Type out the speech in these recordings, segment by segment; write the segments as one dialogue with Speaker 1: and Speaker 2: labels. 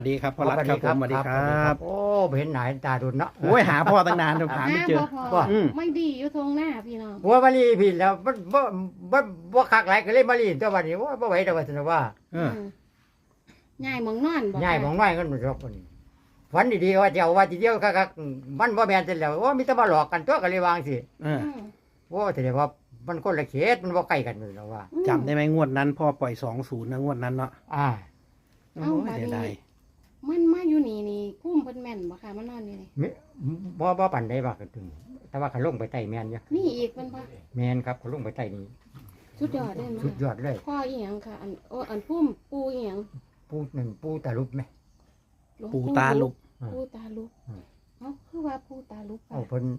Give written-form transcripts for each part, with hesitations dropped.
Speaker 1: สวัสดีครับพ่อรัฐครับผมสวัสดีครับ
Speaker 2: โอ้เห็นหนายตาดุนเนาะ
Speaker 1: โอ้ยหาพ่อตั้งนานจนหาไม่เจอ
Speaker 2: บ่
Speaker 3: ไม่ดีอยู่ตรงหน้าพี่น้อง
Speaker 2: หัวมาลีผิดแล้วบ่คักหลายก็เลยมาลีตัววันนี้ว่าบ่ไหวแต่ว่าซั่นว่า
Speaker 1: เออ
Speaker 3: ง่ายหมองนอนบ่
Speaker 2: ง่ายมองน้อยกันรอกคนฝันดีๆว่าจะเอาว่าทีเดียวคักๆมันบ่แม่นเสร็จแล้วว่ามีแต่มาหลอกกันตัวก็เลยวางสิ
Speaker 1: เออ
Speaker 2: ว่าแสดงว่ามันคนละเขตมันบ่ใกล้กันเลยแล้วว่า
Speaker 1: จำได้ไหมงวดนั้นพ่อปล่อย20นะงวดนั้นเนาะ
Speaker 2: อ่า
Speaker 1: โอ้ยเสียดาย
Speaker 3: มันมาอยู่นี่กุ้มเพิ่นแม่นบ่ค่ะมันนอนนี่นี่
Speaker 2: บ่ปานใดว่ากันถึงแต่ว่าเขาลงไปใต้แม่นอยู่
Speaker 3: นี่อีกเพิ่นบ่
Speaker 2: แม่นครับเขาลงไปใต้นี่
Speaker 3: สุดยอดเด้
Speaker 2: สุดย
Speaker 3: มั้
Speaker 2: อดเลย
Speaker 3: พ่ออีหยังค่ะอันพุ่มปูอีหยัง
Speaker 2: ปูตาลุบไหม
Speaker 3: หลวง
Speaker 1: ปูตาลุก
Speaker 3: ปูตาลุก
Speaker 2: อืม
Speaker 3: เอ้าคือว่าปูตาลุก
Speaker 2: เอาเพิ่น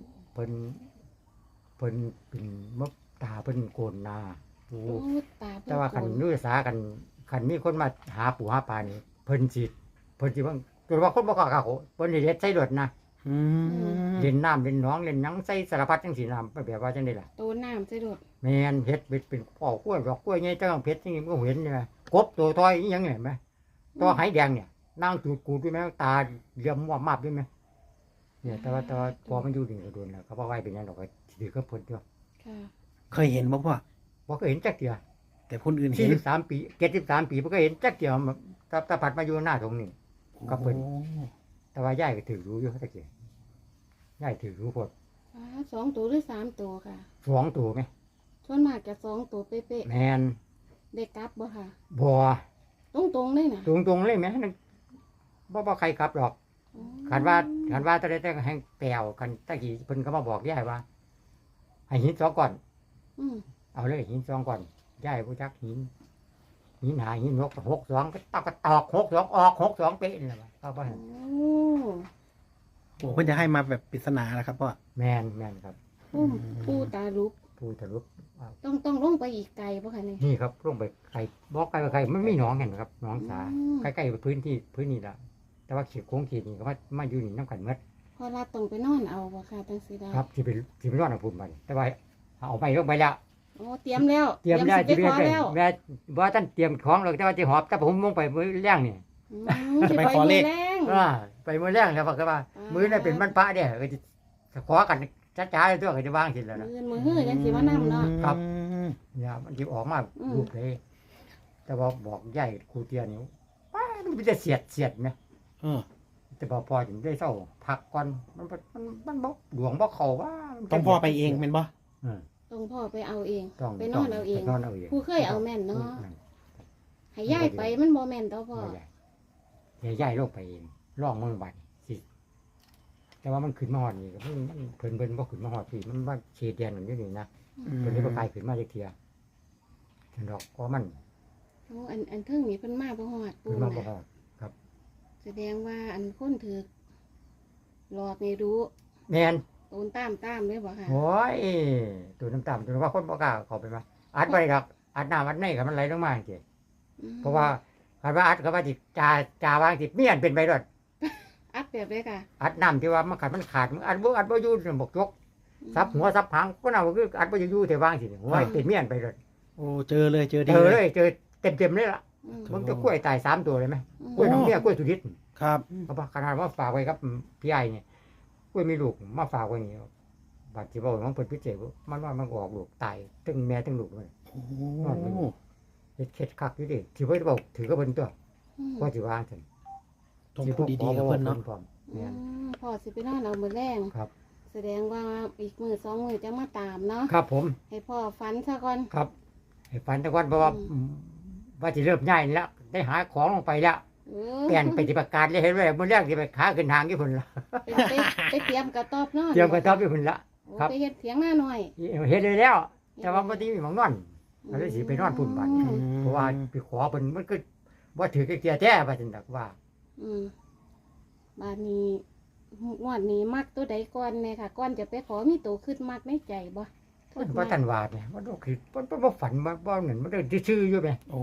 Speaker 2: เป็นมกตาเพิ่นโกนหนาปู
Speaker 3: โอ้ตาเพิ่น
Speaker 2: แต่ว่าคันนุษากันคันมีคนมาหาปูหาปลานี่เพิ่นสิว่าตัวว่าคนบ่กล้าเขาเพิ่นสิเฮ็ดใส่รถนะ
Speaker 1: อืม
Speaker 2: เล่นน้ำเล่นหนองเล่นหยังใส่สารพัดจังซี่น้ำแบบว่าจังได๋ล่ะ
Speaker 3: โตน้ำใส่รถ
Speaker 2: แม่นเฮ็ดเป็นพ่อกล้วยดอกกล้วยใหญ่จังเพชรจังนี้มันก็เห็นนี่แหมกบตัวท้อยอีหยังนี่เห็นไหมตัวไหแดงเนี่ยนางจูดกูดด้วยแม่ตาเหลี่ยมว่ามาบด้วยแม่เนี่ยแต่ว่าพอมันอยู่นี่ก็โดนแล้วเขาบ่ไว้เป็นหยังดอกก็ถือก็เพิ่นตัว
Speaker 3: ค่ะ
Speaker 1: เคยเห็นบ่พ่อ
Speaker 2: บ่เคยเห็นจักเทื่อ
Speaker 1: แต่คนอื่นเห็น
Speaker 2: 43ปี73ปีบ่เคยเห็นจักเทื่อตาผัดมาอยู่หน้าตรงนี้ ครับเพิ่น
Speaker 1: โอ้
Speaker 2: แต่ว่ายายก็ถือรู้อยู่ตะกี้ยายถือรู้พด
Speaker 3: สองตัวหรือสามตัวค่ะ
Speaker 2: 2ตัวไหม
Speaker 3: ส่วนมากจะสองตัวเป๊ะ
Speaker 2: แม่น
Speaker 3: ๆได้กลับบ่ค่ะ
Speaker 2: บ่
Speaker 3: ตรงๆเลยน่ะ
Speaker 2: ตรงๆเลยแม่นั่นบ่ใครกลับหรอก
Speaker 3: อ๋อ
Speaker 2: คันว่าตะได้แต่แห่งแปลวกันตะกี้เพิ่นก็มาบอกยายว่าให้หิน2ก้อน
Speaker 3: อืม
Speaker 2: เอาเลยหิน2ก้อนยายบ่จักหินหาหิน62ก็ตอก62ออก62เป๊ะนี่แหละว่าเขาบ่
Speaker 3: โอ้
Speaker 2: ให้
Speaker 1: โหเพิ่นจะให้มาแบบปริศนาแหละครับพ่อ
Speaker 2: แม่นครับ
Speaker 3: พุ่มปูตาลุก
Speaker 2: ผู้ทะลุ
Speaker 3: ต้องลงไปอีกไกลป่ะคะเนี่ย
Speaker 2: นี่ครับลงไปไกลบอกไกลไปไกลมันไม่หนองเห็นครับหนองสา
Speaker 3: อืม
Speaker 2: ใกล้ๆพื้นนี่ละแต่ว่าเขียโค้งขีดนี่ก็มาอยู่นี่น้ำกันเมื่อ
Speaker 3: พอรัดต้องไปนอนเอาป่ะค่ะตั้งสีดา
Speaker 2: ครับที่เป็นรอดของผมไปแต่ว่าเอาไปลงไปแล้ว
Speaker 3: โอ้เตรียมแล้ว
Speaker 2: เตรียมได้
Speaker 3: สิ
Speaker 2: ที่
Speaker 3: ไป
Speaker 2: เรีย
Speaker 3: ขอแล้ว
Speaker 2: แม่ว่าท่านเตรียมของเลยแต่ว่าจะหอบแต่ผมลงไปมือแรงนี่
Speaker 3: อืมสิไปมือแรง
Speaker 2: ไปมือแรงแล้วบอกว่ามือนั่นเป็นมันพระเนี่ยก็จะขอกันช้าๆเลยตัวก็จะวางสิแล้วนะ
Speaker 3: มือหื้อยังสิว่านำเนาะ
Speaker 2: ครับ
Speaker 1: อืม
Speaker 2: เนี่ยมันจะออกมา
Speaker 3: อืม
Speaker 2: ลูกเลยแต่ว่าบอกใหญ่ครูเตียนี่ว้ามันจะเสียดไหม
Speaker 1: เออ
Speaker 2: แต่พอถึงได้เศร้าพักก่อนมันบ่หลวงบ่เขาว่า
Speaker 1: ต้องพ่อไปเองเป็นบ่
Speaker 3: ต้องพ่อไปเอาเอง
Speaker 2: ต้อง
Speaker 3: ไปนอนเอาเอง
Speaker 2: ไปนอนเอาเอง
Speaker 3: ผู้เคยเอาแม่นเนาะให้ย้ายไปมันบ่แม่นต่อพ่อ
Speaker 2: เดี๋ยวย้ายโลกไปเองร่องเมืองบัดสิแต่ว่ามันขึ้นมาหอดนี่ก็มันเพิ่นบ่ขึ้นมาหอดพี่มันว่าเขตแดนมันอยู่นี่นะ
Speaker 1: อืม
Speaker 2: เพิ่นเลยบ่กลายขึ้นมาจักเที่ยฉันดอกเพราะมัน
Speaker 3: โอ้อันเทิงนี่เพิ่นมาบ่ฮอดปู
Speaker 2: ขึ้นมาบ่
Speaker 3: น่ะ
Speaker 2: ฮอด
Speaker 3: แสดงว่าอันคนถือหลอกนี่รู้
Speaker 2: แม่น
Speaker 3: โอนตามเลยบ่ค่ะ
Speaker 2: โอ้ยตัวน้ำตาลตัวว่าคนบ่กล้าเข้าไปมาอัดไว้ดอกอัดน้ำอัดในก็มันไหลลงมาจังซี่
Speaker 3: อืม
Speaker 2: เพราะว่าคันว่าอัดก็ว่าสิจ่าวางสิเมียนเป็นไปรอด
Speaker 3: อัดแบบเลยค่ะ
Speaker 2: อัดน้ำที่ว่ามันขาดมันอัดบ่อยู่บกยกซับหัวซับหางก็น่าว่าคืออัดบ่อยู่แต่วางสิหัวเป็นเมียนไปรอด
Speaker 1: โอ้เจอเลยเจอดี
Speaker 2: เจอเลยเจอเต็มเลยล่ะ
Speaker 3: อืม
Speaker 2: มันจะกล้วยตาย3ตัวเลยไหม
Speaker 3: อืม
Speaker 2: กล้วยน้องเมียกล้วยสุดิษฐ์
Speaker 1: ครับ
Speaker 2: เขาบอกขนาดว่าฝากไว้ครับพี่ใหญ่เนี่ยกล้วยมีลูกมาฝากไว้นี่บาดที่บอกมันเพิ่นพิเศษมันว่ามันออกลูกตายทั้งแม่ทั้งลูกเลย
Speaker 1: โอ้
Speaker 2: เฮ็ดเข็ดคักอยู่ดิที่เพิ่นบอกถือก็เพิ่นตัว
Speaker 3: อืม
Speaker 2: ก็สิวางซั่น
Speaker 1: ต้องพูดดีๆกับเพิ่นเนาะ
Speaker 2: เนี่ย
Speaker 3: พ่อสิไปนอนเอามือแรง
Speaker 2: ครับ
Speaker 3: แสดงว่าอีกมือ2 มือจะมาตามเนาะ
Speaker 2: ครับผม
Speaker 3: ให้พ่อฝันซะก่อน
Speaker 2: ครับให้ฝันแตะวันเพราะว่าว่าจะเริ่มง่ายแล้วได้หาของลงไปแล้ว
Speaker 3: เออ
Speaker 2: เปลี่ยนไปฏิบัติการเลยเห็นไหมมื้อแรกที่ไปขาขึ้นทางญี่ปุ่นละ
Speaker 3: ไปเตรียมกระต๊อบนอน
Speaker 2: เตรียมกระต๊อบญี่ปุ่นละ
Speaker 3: โอ้
Speaker 2: ครับ
Speaker 3: ไปเฮ็ดเถียงหน้าหน่อย
Speaker 2: เห็นเลยแล้ว แต่ว่าบ่ได้มีหมองนอนก็เลยสิไปนอนพุ่นบัด
Speaker 3: อืม
Speaker 2: เพราะว่าไปขอเพิ่นมันก็บ่ถือเกียร์แท้ว่าซั่นดอกว่า
Speaker 3: อืมบาดนี้งวดนี้มักตัวใดก่อนแน่ค่ะก่อนจะไปขอมีตัวขึ้นมักในใจบ่
Speaker 2: เพิ่นว่าท่านว่าเนี่ยมันก็คือเพิ่นบ่ฝันว่าบ่นั่นมันได้ซื่อๆอยู่แหม
Speaker 1: โอ้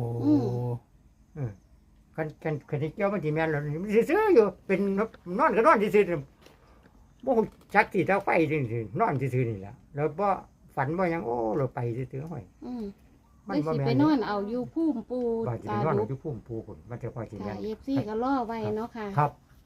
Speaker 2: กันที่เกี่ยวมันสิแม่นแล้วมันซื่อๆอยู่เป็นนอนก็นอนซื่อๆบ่ฮู้จักที่เตาไฟซื่อๆนอนซื่อๆนี่แหละแล้วบ่ฝันบ่หยังโอ้เราไปซื่อๆห้อย
Speaker 3: อืม
Speaker 2: มัน
Speaker 3: ได้
Speaker 2: บ่
Speaker 3: สิ
Speaker 2: แม่
Speaker 3: ไป
Speaker 2: น
Speaker 3: นอนเอาอยู่ภูมิปู
Speaker 2: ว่าสิ
Speaker 3: ตา
Speaker 2: ไปนอน
Speaker 3: ลุ
Speaker 2: อก ยู่พุ่มปูพุ่นมันจะพอสิแม่
Speaker 3: ค่ะ
Speaker 2: น
Speaker 3: FC ก็รอไว้เนาะค่ะ
Speaker 2: ครับ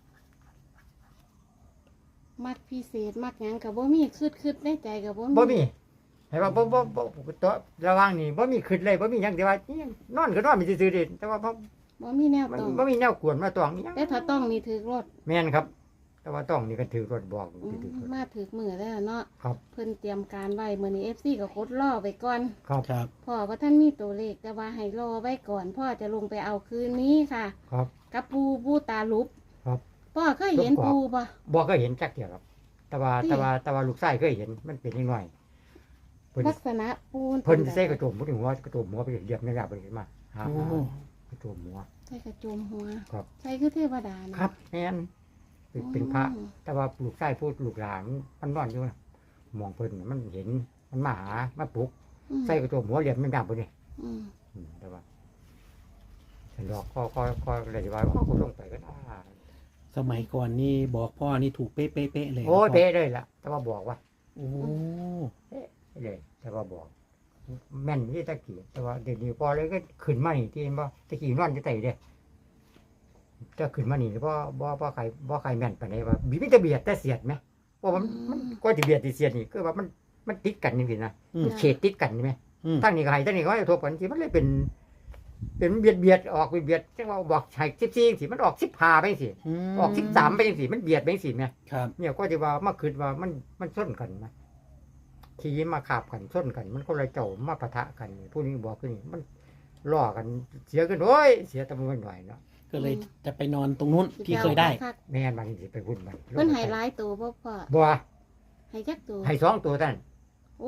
Speaker 3: มักพิเศษมักหยังก็บ่มีคืดในใจก็บ่มี
Speaker 2: บ่มีให้ว่าบ่ตัวระหว่างนี้บ่มีขึ้นเลยบ่มีหยังแต่ว่าอิหยังนอนก็นอนมีซื่อๆเด้แต่ว่าบ่
Speaker 3: บ่มีแนว
Speaker 2: มัน
Speaker 3: ต้อง
Speaker 2: บ่มีแนวกวนมาตองอิหยัง
Speaker 3: แต่ถ้าต้องนี่ถือรถ
Speaker 2: แม่นครับ แต่ว่าต้องนี่ก็ถือรถบอก
Speaker 3: อืม
Speaker 2: ถือรถ
Speaker 3: มาถือมือแล้วเนาะ
Speaker 2: ครับ
Speaker 3: เพิ่นเตรียมการไว้มื้อนี้ FC ก็กดรอไว้ก่อน
Speaker 2: ครับ
Speaker 1: ครับ
Speaker 3: พ่อว่าท่านมีตัวเลขแต่ว่าให้รอไว้ก่อนพ่อจะลงไปเอาคืนนี้ค่ะ
Speaker 2: ครับ
Speaker 3: กับปูตาลุบ
Speaker 2: ครับ
Speaker 3: พ่อเคยเห็นปูปะ
Speaker 2: บ่เคยเห็นจักเที่ยครับ แต่ว่า
Speaker 3: ที่
Speaker 2: แต่ว่าลูกชายเคยเห็นมันเป็นนิดหน่อยเพิ่น
Speaker 3: ลักษณะปู
Speaker 2: เพิ่นใส่กระโจมบ่ถึงหัวกระโจมหัวไปเหยียบในหน้าเพิ่นขึ้นมาหา
Speaker 1: โอ้
Speaker 2: กระโจมหัว
Speaker 3: ใส่กระโจมหัว
Speaker 2: ครับ
Speaker 3: ใส่คือเทวดานะครับ
Speaker 2: แม่นเป็นพระ แต่ว่าลูกชายพูดลูกหลานมันนอนอยู่นะมองเพิ่นมันเห็นมันมาหามาปลุก
Speaker 3: อืม
Speaker 2: ใส่กระโจมหัวเหลี่ยมไม่ดังเพิ่นนี่
Speaker 3: อืม
Speaker 2: แต่ว่าฉันดอกก็เลยว่ากูลงไปก็ได้
Speaker 1: สมัยก่อนนี่บอกพ่อนี่ถูกเป๊ะๆเลย
Speaker 2: โอ้ย
Speaker 1: นะพ่
Speaker 2: เป๊ะเลยล่ะ แต่ว่าบอกว่า
Speaker 1: โอ้
Speaker 2: เลย แต่ว่าบอก แม่นที่ตะกี้แต่ว่าเดี๋ยวนี้พอเลยก็ขึ้นมานี่ที่เห็นบ่ตะกี้นอนจะไต่เด้จะขึ้นมานี่บ่ใครแม่นปานใดว่าบีบจะเบียดแต่เสียดไหมว่ามันก็จะเบียดที่เสียดนี่คือว่ามันติดกันนี่สินะ
Speaker 1: อืม
Speaker 2: เขตติดกันใช่ไหม
Speaker 1: อืม
Speaker 2: ตั้งนี่ก็ให้ตั้งนี่ก็ให้ทบกันสิมันเลยเป็นเบียดออกเบียดจังว่าบอกให้14สิมันออก15ไปสิออก13ไปจังสิมันเบียดไปจังสิแม่
Speaker 1: ครับ
Speaker 2: เนี่ยก็จะว่ามาคิดว่ามันส้นกันนะทีมาขาบกันส้นกัน มันคนละเจ้ามาปะทะกันผู้นี้บอกคือนี่มันล่อกันเสียกันโอ้ยเสียแตะมันหน่อยเนาะ
Speaker 1: ก็เลยจะไปนอนตรงนู้นที่เคยได้
Speaker 3: คัก
Speaker 2: แม่นบางทีไปวุ่นมัน
Speaker 3: ๆเพิ่นให้หลายตัวบ่พ่อ
Speaker 2: บัว
Speaker 3: ให้จักตัว
Speaker 2: ให้2ตัวท่าน
Speaker 3: โอ้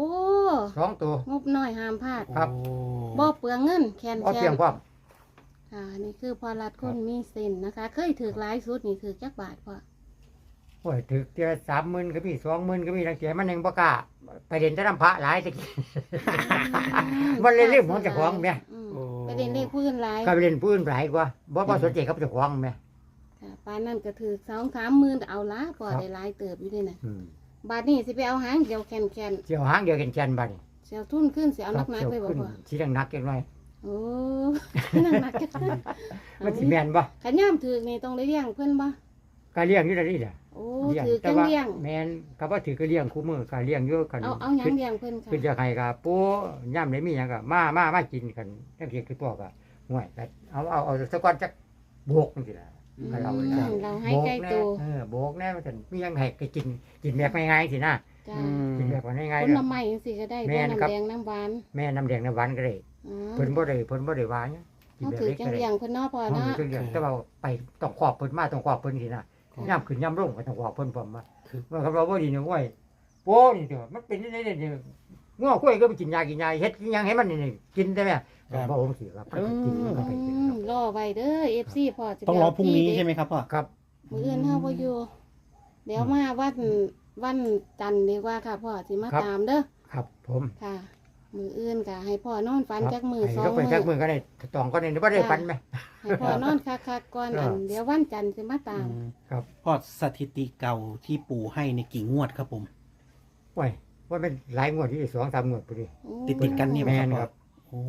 Speaker 2: 2ตัว
Speaker 3: งบน้อยห้ามพลาด
Speaker 2: ครับ
Speaker 3: บ่เปลืองเงินแคน
Speaker 2: เอา
Speaker 3: แค
Speaker 2: เพียง
Speaker 3: น
Speaker 2: ความ
Speaker 3: ค่ะนี่คือพอรัดคนมีเส้นนะคะ เคยถือหลายสุดนี่ถือจักบาทพ่อ
Speaker 2: โอ้ยถึกเจอ30,000ก็มี20,000ก็มีทั้งเสียมันยังบ่กล้าไปเรียนแต่น้ำพระหลายตะกี้ มันเลยเรียกหมองเจ้าของแม่
Speaker 3: อืม
Speaker 1: โอ้
Speaker 3: ไปเรียนเลขพื้นหลาย
Speaker 2: ก็ไปเรียนผู้อื่นหลายกว่าบ่สนใจกับเจ้าของแม่
Speaker 3: ค่ะปานนั้นก็ถือ2-3หมื่นเอาละพอ
Speaker 2: ครับ
Speaker 3: ได้หลายเติบอยู่ด้วยนะ
Speaker 2: อืม
Speaker 3: บาทนี้สิไปเอาหางเดียวแคนแคน
Speaker 2: เสี่ยวหางเดียวกันแกนบัดนี้
Speaker 3: เสียวทุนขึ้นเสียวนักนักๆไปบ่
Speaker 2: ขึ้น
Speaker 3: พ่อ
Speaker 2: สิดังนักจังหน่อย
Speaker 3: โอ้นักนักๆจัง
Speaker 2: มันสิแม่นบ่
Speaker 3: ขันย่ามถือนี่ต้องได้เลี้ยงเพิ่นบ่
Speaker 2: ก็เลี้ยงอยู่แล้วนี่แหละ
Speaker 3: โอ้
Speaker 2: เลี้ยง
Speaker 3: ถือ
Speaker 2: แต่
Speaker 3: จัง
Speaker 2: ว่า
Speaker 3: เลี้ยง
Speaker 2: แม่นก็บ่ถือก็เลี้ยงคู่มือก็เลี้ยงอยู่กัน
Speaker 3: เอาหยังเลี้ยงเพิ่นค่ะ
Speaker 2: คือจะให้ก็ปู่ย่ำได้มีหยังก็มากินกันจังซี่คือตัวก็ห่วยก็เอาสักก่อนจักโบกจังซี่ล่ะ ก็เรา
Speaker 3: อืมเราให้ใกล้
Speaker 2: แน่
Speaker 3: ตัว
Speaker 2: โบกแน่มันจะมีหยังให้ก็กินแบบง่ายๆสินะ
Speaker 3: จ้า
Speaker 1: อืม
Speaker 2: กินแบบง่าย
Speaker 3: ผ
Speaker 2: ๆ
Speaker 3: ลไม้จังซี่ก็ได้
Speaker 2: แม่
Speaker 3: บ่
Speaker 2: นครับ
Speaker 3: น้ำแดงน้ำหวาน
Speaker 2: แม่น้ำแดงน้ำหวานก็ได้
Speaker 3: อ๋อ
Speaker 2: เพิ่นบ่ได้ว่าหยังกิน
Speaker 3: เขา
Speaker 2: แบบ
Speaker 3: ถือ
Speaker 2: เล็ก
Speaker 3: จั
Speaker 2: ก็
Speaker 3: ง
Speaker 2: ได้
Speaker 3: เลี้ยงเพิ่นเนาะพ่อ
Speaker 2: ห้อง
Speaker 3: เนาะ
Speaker 2: นี้ก็เลี้ยงแต่ว่าไปต้องขอบเพิ่นมาต้องขอบเพิ่นสินะย่ำขึ้นย่ำลงก็ต้องขอบเพิ่นพร้อมมา
Speaker 1: คือ
Speaker 2: ว่าคำเราบ่ดีนะเว้ยโป้นี่เด้อมันเป็นได้เนี่ยง้อกล้วยก็ไปกินยาเฮ็ดกินหยังให้มันนี่กินได้ไหมบ่ผมสิครับกินมันก็ไปกิน
Speaker 3: อืมรอไว้เด้อ FC พ่อสิไป
Speaker 1: ต้องรอ
Speaker 3: เา
Speaker 1: พรุ่งนี้
Speaker 3: ที่เด็ด
Speaker 1: ใช่ไหมครับพ่อ
Speaker 2: ครับ
Speaker 3: มื้ออื่นเฮาบ่อยู่เดี๋ยวมาวันจันทร์ดีกว่าค่ะพ่อสิมาตามเด้อ
Speaker 2: ครับผม
Speaker 3: ค่ะ มื้ออื่นก็ให้พ่อนอนฝันจักมื้อสอง
Speaker 2: ก็ไป
Speaker 3: มื้
Speaker 2: จัก
Speaker 3: อ
Speaker 2: มือก็ได้ตองก็ได้บ่ได้ปันไหม
Speaker 3: ให้พ่อนอนคักๆก่อนอันเดี๋ยววันจันทร์สิมาตาม
Speaker 2: ครับ
Speaker 1: พ่อสถิติเก่าที่ปู่ให้ในกี่งวดครับผม
Speaker 2: โอ้ยว่าเป็นหลายงวดที่2-3งวดพอดี
Speaker 3: โอ้
Speaker 1: ติดกันนี่ไหม
Speaker 2: แม่น
Speaker 1: ค
Speaker 2: ครั
Speaker 1: รับ บโอ้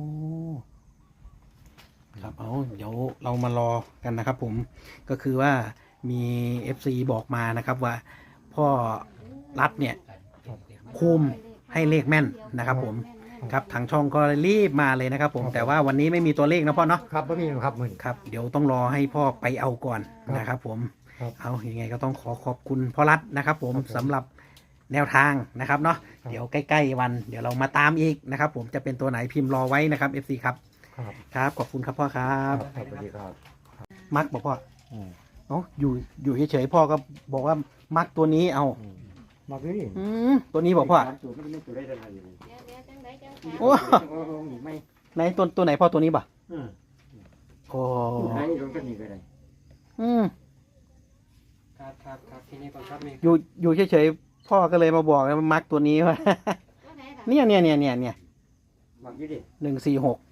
Speaker 1: ครับเอาเดี๋ยวเรามารอกันนะครับผมก็คือว่ามี FC บอกมานะครับว่า พ่อรัฐเนี่ยคุมให้เลขแม่นนะครับผมครับทางช่องก็รีบมาเลยนะครับผมแต่ว่าวันนี้ไม่มีตัวเลขนะพ่อเนาะ
Speaker 2: ครับบ่มีครับมื้อ
Speaker 1: ครับเดี๋ยวต้องรอให้พ่อไปเอาก่อนนะครับผม
Speaker 2: ครับ
Speaker 1: เอายังไงก็ต้องขอบคุณพ่อรัฐนะครับผม
Speaker 2: ครับผม
Speaker 1: สำหรับแนวทางนะครับเนาะ
Speaker 2: ครับ
Speaker 1: เดี๋ยวใกล้ๆวัน เดี๋ยวเรามาตามอีกนะครับผมจะเป็นตัวไหนพิมพ์รอไว้นะครับ FC ครับ
Speaker 2: ครับ
Speaker 1: ครับขอบคุณครับพ่อครั
Speaker 2: ครับ บสวัสดีครับ
Speaker 1: มักบอกพ่อเอ้าอยู่เฉยๆพ่อก็บอกว่ามักตัวนี้เอา
Speaker 2: มาพี่นี่
Speaker 1: ตัวนี้บอกพ่อ
Speaker 2: ตัวมันไม่ตัวได้ทันที
Speaker 3: เดี๋ยวจังไดจัง
Speaker 1: โอ้
Speaker 2: ไม่
Speaker 1: ไหนตัวไหนพ่อตัวนี้บ่ะ
Speaker 2: อืม
Speaker 1: โอ้
Speaker 2: ไหนลงกันนี่ก็ได้
Speaker 1: อืม
Speaker 2: ครับที่นี่ก่อนครับนี่
Speaker 1: อยู่เฉยๆพ่อก็เลยมาบอกว่ามักตัวนี้ว่า เนี่ย
Speaker 2: มาพี่ดิ
Speaker 1: 146